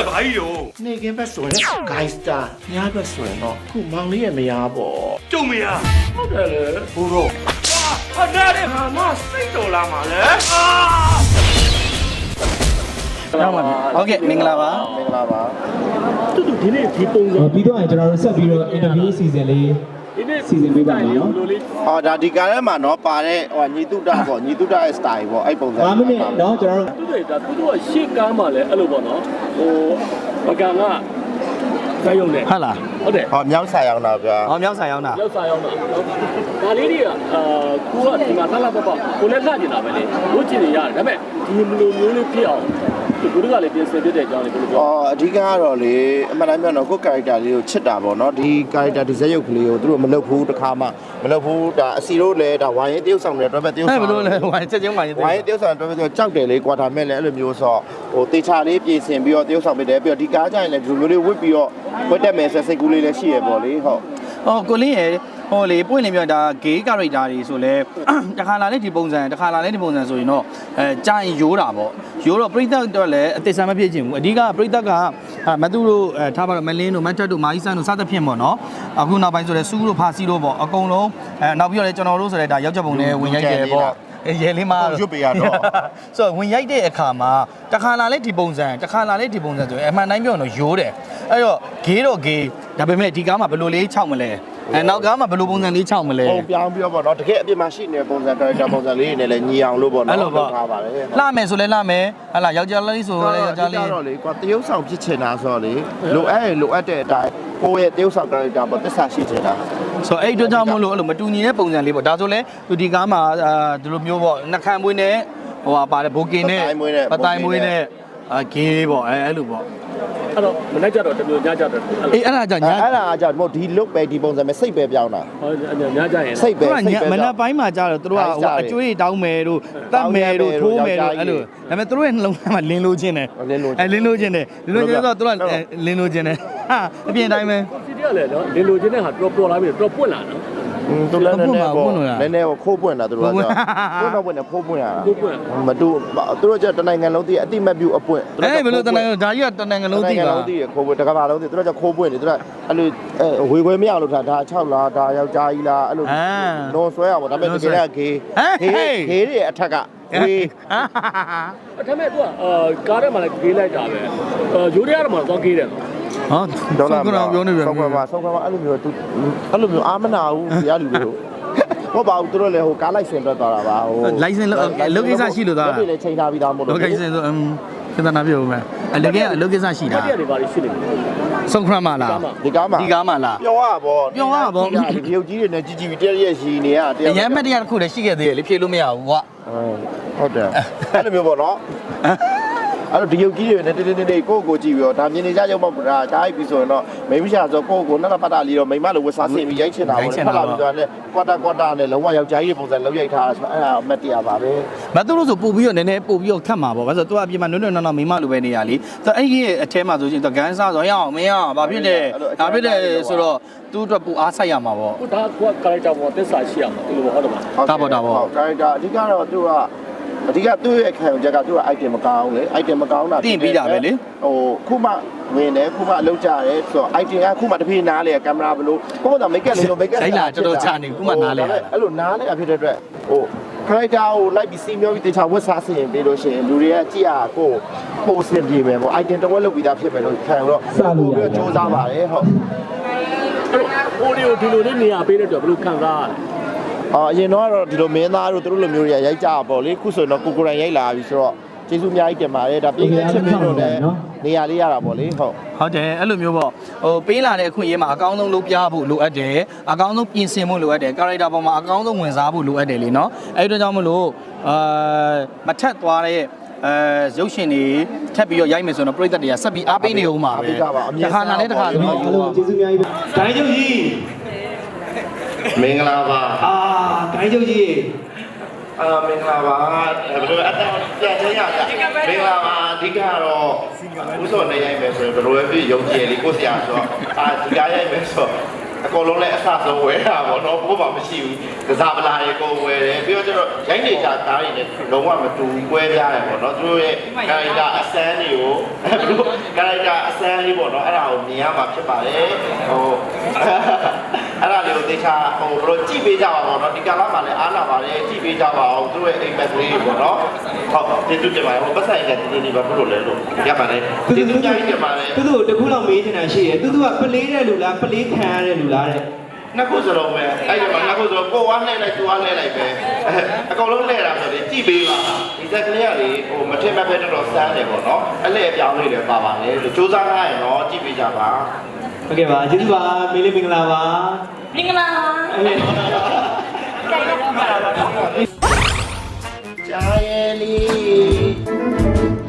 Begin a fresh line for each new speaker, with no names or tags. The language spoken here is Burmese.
ဘာကြီးရော
နေကင်းဘက်ဆိုရင် Gangster ညဘက်ဆိုရင်တော့ခုမောင်လေးရဲ့မယားပေါ့
ကျုံမရ
ဟုတ်တယ်လေဘိုးတော့
ဟာနားတယ်ဟာမစိတ်တော်လာမှာလေ
ဟုတ်ကဲ့မင်္ဂလာပါ
မင်္ဂလာပါ
တူတူဒီနေ့ဒီပုံစံ
ပြီးတော့ကျွန်တော်တို့ဆက်ပြီးတော့ interview season လေးစီစဉ်ပေးပါမယ်နော်
။အော်ဒါဒီကားထဲမှာနော်ပါတဲ့ဟိုညီတုဒပေါ့ညီတုဒရဲ့ style ပေါ့အဲ့ပုံစံ
5မိနစ်နော်ကျွန်တော်
တို့ဒါသူတို့ကရှေ့ကားမှာလည်းအဲ့လိုပေါ့နော်ဟိုပကံကဇာယုံနဲ့
ဟုတ်လား
ဟုတ်တယ်
ဟောမြောက်ဆိုင်အောင်တာဗျာ
ဟောမြောက်ဆိုင်အောင်တာ
မြောက်ဆိုင်အောင်တာဒါလေးတွေကကိုကဒီမှာဆက်လာပေါ့ကိုလည်းလှကျင်တာပဲလေဝတ်ကျင်နေရတယ်ဒါပေမဲ့ဒီလိုမျိုးလေးဖြစ်အောင်ဒီကုကလည်းပြင်ဆင်ပြတဲ့အကြောင်းလေးကိုပြော
အဓိကကတော့လေအမှန်တမ်းပြောတော့ကို character လေးကိုချစ်တာပေါ့နော်ဒီ character ဒီဇက်ရုပ်ကလေးကိုသူတို့မလုပ်ဘူးတစ်ခါမှမလုပ်ဘူးဒါအစီတို့လည်းဒါဝိုင်းရင်တရုပ်ဆောင်တယ်တွဲပဲတရုပ်ဆောင်
ဘယ်လိုလဲဝိုင်းချက်ချင်းဝိုင်းရင်
တရုပ်ဆောင်တွဲပဲကြောက်တယ်လေကွာဒါမဲ့လည်းအဲ့လိုမျိုးဆိုဟိုတေချာလေးပြင်ဆင်ပြီးတော့တရုပ်ဆောင်ပေးတယ်ပြီးတော့ဒီကားကြရင်လည်းဒီလိုမျိုးလေးဝတ်ပြီးတော့ဝတ်တက်မယ်ဆိုစိတ်ကူးလေးလည်းရှိရပေါ့လေဟုတ်
ကိုလင်းရဲ့ဟိုလေပွင့်နေပြဒါ gay character တွေဆိုလဲတခါလာလဲဒီပုံစံတခါလာလဲဒီပုံစံဆိုရင်တော့ကြာရင်ရိုးတာပေါ့ရိုးတော့ပရိသတ်တော့လည်းအသစ်ဆန်းမဖြစ်ချင်ဘူးအဓိကပရိသတ်ကမသူတို့ထားပါတော့မလင်းတို့မတ်တက်တို့မာကြီးဆန်းတို့စသဖြင့်ပေါ့နော်အခုနောက်ပိုင်းဆိုလဲစူးတို့ဖာစီတို့ပေါ့အကုန်လုံးနောက်ပြီးတော့လည်းကျွန်တော်တို့ဆိုလဲဒါရောက်ချက်ပုံနဲ့ဝင်ရိုက်တယ်ပေါ့ရဲလေးမ
ရွတ်ပေးရတော့
ဆိုဝင်ရိုက်တဲ့အခါမှာတခါလာလဲဒီပုံစံတခါလာလဲဒီပုံစံဆိုရင်အမှန်တိုင်းပြောရင်တော့ရိုးတယ်အဲ့တော့ gay တော့ gay ဒါပေမဲ့ဒီကားမှာဘယ်လိုလေးခြောက်မလဲနောက်ကားမှာဘယ်လိုပုံစံလေးခြောက်မလဲ
ပုံပြောင်းပြီးတော့ပေါ့နော်တကယ်အပြစ်မရှိနေတဲ့ပုံစံ character ပုံစံလေးတွေနဲ့လည်းညီအောင်လို့ပေါ့နော်လုပ်ထားပါတယ်
လှမယ်ဆိုလဲလှမယ်ဟလာယောက်ျားလေးဆိုလဲယောက်ျားလေး
တော့လေကွာတရုပ်ဆောင်ဖြစ်ချင်တာဆိုတော့လေလိုအပ်တဲ့အတိုင်းကိုယ့်ရဲ့တရုပ်ဆောင် character ပေါ့သစ္စာရှိချင်တာ
ဆိုအဲ့အတွက်ကြောင့်မို့လို့အဲ့လိုမတူညီတဲ့ပုံစံလေးပေါ့ဒါဆိုလဲသူဒီကားမှာဒီလိုမျိုးပေါ့နှက်ခမ်းမွေးနဲ့ဟိုဟာပါတယ်ဘိုကင်နဲ့ပတိုင်မွေးနဲ့ဂေးပေါ့အဲ့လိုပေါ့
အဲ့တော့မနေ့ကျတော့တမျိုးညကျတော့
အေးအဲ့ဒါကြောင့်ည
အဲ့ဒါကြောင့်ဒီ look ပဲဒီပုံစံပဲစိတ်ပဲပြောင်းတာ
ဟုတ်ညကျရင်
စိတ်ပဲ
မနက်ပိုင်းမှာကျတော့သူတို့ကဟိုအကျွေးတောင်းမယ်တို့တတ်မယ်တို့ထိုးမယ်တို့အဲ့လိုဒါပေမဲ့သူတို့ရဲ့နှလုံးသားမှာလင်းလို့ခြင်းတယ်လင်းလို့ခြင်းတယ်လင်းလို့ခြင်းဆိုတော့သူကလင်းလို့ခြင်းတယ်ဟာအပြင်တိုင်းပဲ
စီတီကလည်းနော်လင်းလို့ခြင်းတဲ့ဟာတော်ပေါ်လာပြီတော်ပွင့်လာနော်
သူလည်းနည်းနည်းခိုးပွင့်တာသူတို့ကပွင့်နေဖိုးပွင့်ရတာမတူသူတို့ကျတနိုင်ငံလုံးတည်းအတိမတ်ပြုအပွင့်
ဘယ်လိုတနိုင်ငံဒါကြီးကတနိုင်ငံလုံးတည်းပါ
ခိုးပွင့်တကဘာလုံးတည်းသူတို့ကျခိုးပွင့်နေသူတို့အဲ့လိုဝေခွဲမရလို့ဒါ6လားဒါယောက်ျားကြီးလားအဲ့လိုလွန်ဆွဲအောင်ပေါ့ဒါပေမဲ့တကယ်ကဂေးတွေအထက်က
ဂေးဒါပေမဲ့သူကကားထဲမှာလည်းဂေးလိုက်တာပဲရိုးရရမှာတော့ဂေးတယ်
ဟာဒေါ်လာပြောနေပြန်
ဆောက်ခွာအဲ့လိုမျိုးသူအဲ့လိုမျိုးအာမနာဘူးတရားလူတွေဟုတ်ပါဘူးသူတို့လည်းဟိုကားလိုက်စင်ထွက်သွားတာပါဟို
လိုင်စင်လုပ်ကိစ္စရှိလို့သား
တာလည်းချိန်ထားပြီးသားမို့လို့
လုပ်ကိစ္စဆိုခဏနာပြောဦးမယ်အလုပ်ကိစ္စရှိတာ
တရားတွေပါရှိနေ
ဆုံးခရမလား
ဒီကား
မှာလား
ပြောရပါဒီပြုတ်ကြီးတွေနဲ့ကြီးပြီးတရားရဲ့ရီနေရ
တရားအရင်မှတ်တရားတစ်ခုလည်းရှိခဲ့သေးတယ်လေဖြေလို့မရဘူးကွာ
ဟုတ်တယ်အဲ့လိုမျိုးပေါ့နော်အဲ့တော့ဒီရုပ်ကြီးတွေနဲ့တင်းကိုကြည့်ပြီးတော့ဒါမြင်နေကြရုံမှဒါချားပြီဆိုရင်တော့မိမရှာဆိုကိုနက်ပတ်တာလေးတော့မိမလိုဝတ်စားဆင်ပြီးရိုက်ချင်တာပေါ့ဖတ်လာပြီးတော့လည်းကွာတာနဲ့လုံးဝယောက်ျားကြီးပုံစံလုံးရိုက်ထားတာဆိုအဲ့ဒါအမတ်တရားပါပဲ
မသူတို့ဆိုပို့ပြီးတော့နည်းနည်းပို့ပြီးတော့ခတ်မှာပေါ့ဘာလို့ဆိုတော့သူကအပြင်မှာနွန်းနော်မိမလိုပဲနေရလीဆိုတော့အဲ့ဒီအထဲမှာဆိုရင်တော့ဂန်းစားဆိုရအောင်မင်းအောင်ဘာဖြစ်လဲဒါဖြစ်တယ်ဆိုတော့သူ့အတွက်ပူအားဆိုင်ရမှာပေါ့
ဒါက character ပေါ်သစ္စာရှိရမှာဒီလိုဟုတ်တယ်မလား
ဒါပေါ့
character အဓိကတော့သူကအဓိကသူ့ရဲ့ခံယူချက်ကသူ့က item မကောင်းလေ item မကောင်းတာ
တင်ပြီးတာပဲလေ
ဟိုခုမှဝင်တယ်ခုမှအလုပ်ကြတယ်ဆိုတော့ item ကခုမှတစ်ပြေးနားလေကင်မရာဘလို့ကိုယ့်ဘာသာ make up လေးလို့ make up
လိုက်လာတော်တော်ချနေခုမှနားလေ
အဲ့လိုနားလေဖြစ်တဲ့အတွက်ဟို character ကိုလိုက်ပြီးစီမျောပြီးတေချာဝတ်စားဆင်ပြီးလို့ရှိရင်လူတွေကကြည့်ရကိုပိုစင်ပြေမယ်ပေါ့ item တစ်ဝက်လုပ်ပြီးသားဖြစ်မယ်လို့ခံတော့
စလို့ရ
စူးစမ်းပါတယ်ဟုတ်
အဲ့တော့ဟိုဒီလိုလေးနေရာပေးတဲ့အတွက်ဘယ်လိုခံစားရလဲ
အရင်တော့ဒီလိုမင်းသားတို့တို့လိုမျိုးတွေရိုက်ကြပါလေခုဆိုရင်တော့ကိုရိုင်ရိုက်လာပြီဆိုတော့ကျေးဇူးအများကြီးတင်ပါတယ်ဒါပြင်ချစ်ပြီးတော့လည်းနေရာလေးရတာပေါ့လေ
ဟုတ်တယ်အဲ့လိုမျိုးပေါ့ဟိုပေးလာတဲ့အခွင့်အရေးမှာအကောင်းဆုံးလုပ်ပြဖို့လိုအပ်တယ်အကောင်းဆုံးပြင်ဆင်ဖို့လိုအပ်တယ် character ပေါ်မှာအကောင်းဆုံးဝင်စားဖို့လိုအပ်တယ်လေနော်အဲ့ဒီတော့ကြောင့်မလို့မထက်သွားတဲ့ရုပ်ရှင်တွေထပ်ပြီးတော့ရိုက်မယ်ဆိုတော့ပြည်သက်တွေကဆက်ပြီးအားပေးနေဦးမှာပဲတစ်ခါနာနဲ့တစ်ခါဆိုတော့
အားလုံးကျေးဇူးအများကြီးဒိုင်းချုပ်ကြီး
မင်္ဂလာပါ
ဒိုင်းချုပ်ကြီး
မင်္ဂလာပါဘယ်လိုအတောင်ပြန်ချင်းရကြမင်္ဂလာပါအဓိကတော့ဥစောနဲ့ရိုက်မယ်ဆိုရင်ဘယ်လိုပဲဖြစ်ရုံကြည်လေးကိုဆရာဆိုတော့ဒီကားရိုက်မယ်ဆိုအကုန်လုံးလည်းအဆဆုံးဝယ်တာပေါ့နော်ဘိုးဘာမရှိဘူးကစားပလာတွေကိုဝယ်တယ်ပြီးတော့ကျတော့ရိုင်းနေကြကားတွေနဲ့လုံးဝမတူကွဲပြားတယ်ပေါ့နော်သူတို့ရဲ့ကာရိုက်တာအစမ်းတွေကိုဘလို့ကာရိုက်တာအစမ်းလေးပေါ့နော်အဲ့ဒါကိုမြင်ရမှာဖြစ်ပါတယ်ဟိုအဲ့ဒါလေးကိုသိချာဟိုဘလို့ကြည့်ပေးကြပါပေါ့နော်ဒီကာလမှာလည်းအားနာပါတယ်ကြည့်ပေးကြပါအောင်သူတို့ရဲ့အိမ်မက်ကလေးပေါ့နော်ဟုတ်ကျေးဇူးတင်ပါတယ်ဟိုပတ်ဆိုင်ကတည်နေပါဘလို့လဲလို့ရပါတယ်ကျေးဇူးများကြီးတင်ပါတယ်
သူတို့တခုလောက်မေးနေတာရှိတယ်သူကပလေးတဲ့လူလားပလေးခံရတဲ့လူလားတဲ့
နှစ်ခုစလုံးပဲအဲ့ဒီမှာနှစ်ခုစလုံးကိုဝါလှည့်လိုက်သူဝါလှည့်လိုက်ပဲအကုန်လုံးလှည့်တာဆိုရင်ကြည့်ပေးပါဒီဇက်ကလေးကလေဟိုမထင်မဲ့ပဲတော်စမ်းတယ်ပေါ့နော်အလှည့်အပြောင်းလေးတွေပါပါလေလို့စူးစမ်းထားရင်တော့ကြည့်ပေးကြပါ
ဟုတ်ကဲ့ပါကျေးဇူးပါမေးလေးမင်္ဂလာပါ
မင်္ဂလာပါ
ကြာရဲ့လေး